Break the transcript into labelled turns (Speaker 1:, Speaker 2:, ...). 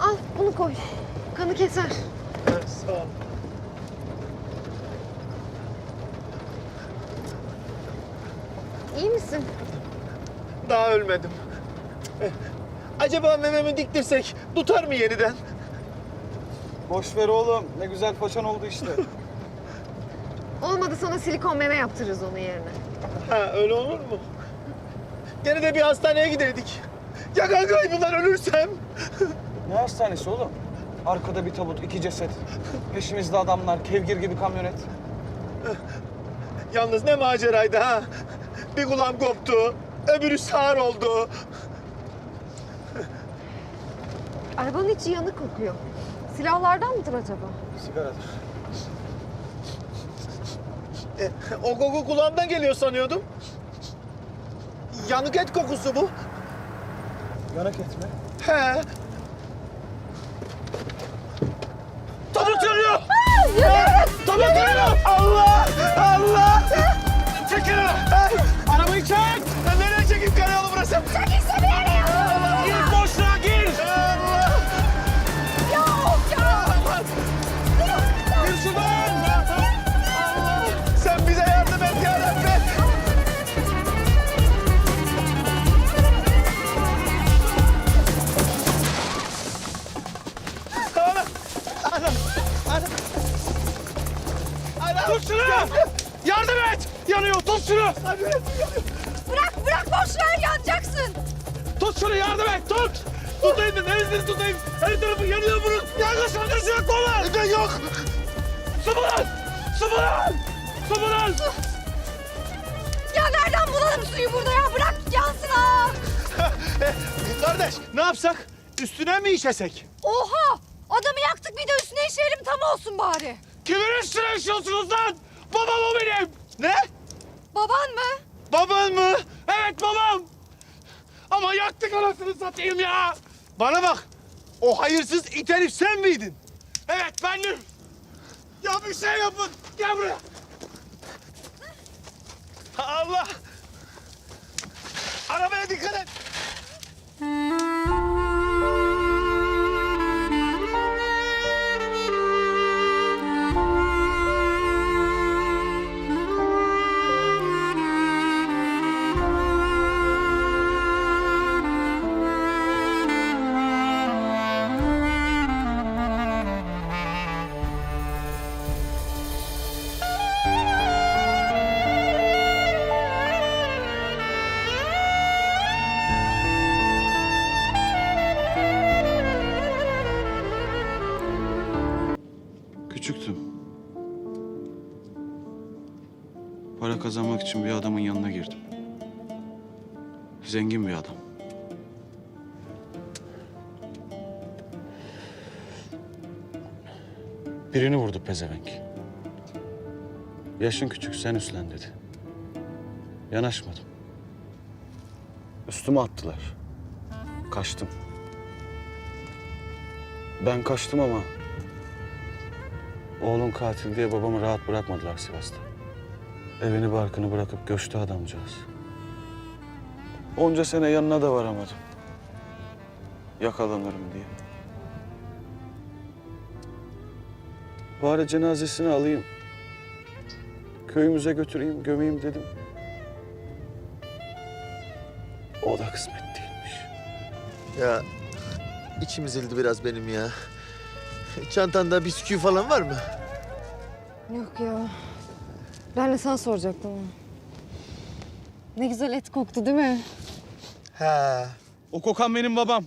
Speaker 1: Al bunu koy. Kanı keser.
Speaker 2: Sağ ol.
Speaker 1: İyi misin?
Speaker 2: Daha ölmedim. Acaba mememi diktirsek tutar mı yeniden?
Speaker 3: Boş ver oğlum. Ne güzel paçan oldu işte.
Speaker 1: Olmadı sana silikon meme yaptırırız onun yerine.
Speaker 2: Ha öyle olur mu? Gene de bir hastaneye giderdik. Ya kaybından ölürsem?
Speaker 3: Ne hastanesi oğlum? Arkada bir tabut, 2 ceset. Peşimizde adamlar, kevgir gibi kamyonet.
Speaker 2: Yalnız ne maceraydı ha? Bir kulağım koptu, öbürü sağır oldu.
Speaker 1: Arabanın içi yanık kokuyor. Silahlardan mıdır acaba?
Speaker 3: Sigaradır.
Speaker 2: O koku kulağımdan geliyor sanıyordum. Yanık et kokusu bu.
Speaker 3: Yanak etme.
Speaker 2: He. Tabut yanıyor! Tabut yanıyor! Allah! Allah! Çekil! Arabayı çek! Nereye çekeyim karayolu burası?
Speaker 1: Çekilse bir yere ya!
Speaker 2: Allah! Gir boşluğa gir! Allah!
Speaker 1: Yok ya!
Speaker 2: Gir şuradan! Allah! Sen bize yardım et ya Rabbi! Anam! Anam! Anam! Anam!
Speaker 4: Tut şunu! Yardım et! Yanıyor, tut şunu!
Speaker 1: Bırak boş ver yanacaksın.
Speaker 4: Tut şunu, yardım et, tut! Tutayım da neresini tutayım? Her tarafı yanıyor bunun! Yangın söndürücü yok mu lan?
Speaker 2: Yok!
Speaker 4: Su bulun! Su bulun! Su bulun!
Speaker 1: Ya nereden bulalım suyu burada ya? Bırak yansın ha!
Speaker 2: Kardeş ne yapsak? Üstüne mi işesek?
Speaker 1: Oha! Adamı yaktık bir de üstüne işeyelim tam olsun bari.
Speaker 4: Kimin üstüne işiyorsunuz lan? Babam o benim!
Speaker 2: Ne?
Speaker 1: Baban mı?
Speaker 2: Baban mı?
Speaker 4: Evet babam! Ama yaktık anasını satayım ya!
Speaker 2: Bana bak. O hayırsız it herif sen miydin?
Speaker 4: Evet bendim! Ya bir şey yapın! Gel buraya!
Speaker 2: Allah! Arabaya dikkat et.
Speaker 5: Küçüktüm. Para kazanmak için bir adamın yanına girdim. Zengin bir adam. Birini vurdu pezevenk. Yaşın küçük, sen üstlen dedi. Yanaşmadım. Üstüme attılar. Kaçtım. Ben kaçtım ama oğlun katil diye babamı rahat bırakmadılar Sivas'ta. Evini barkını bırakıp göçtü adamcağız. Onca sene yanına da varamadım. Yakalanırım diye. Bari cenazesini alayım. Köyümüze götüreyim, gömeyim dedim. O da kısmet değilmiş.
Speaker 2: Ya içim ezildi biraz benim ya. Çantanda bisküvi falan var mı?
Speaker 1: Yok ya. Ben de sana soracaktım onu. Ne güzel et koktu değil mi?
Speaker 2: He.
Speaker 4: O kokan benim babam.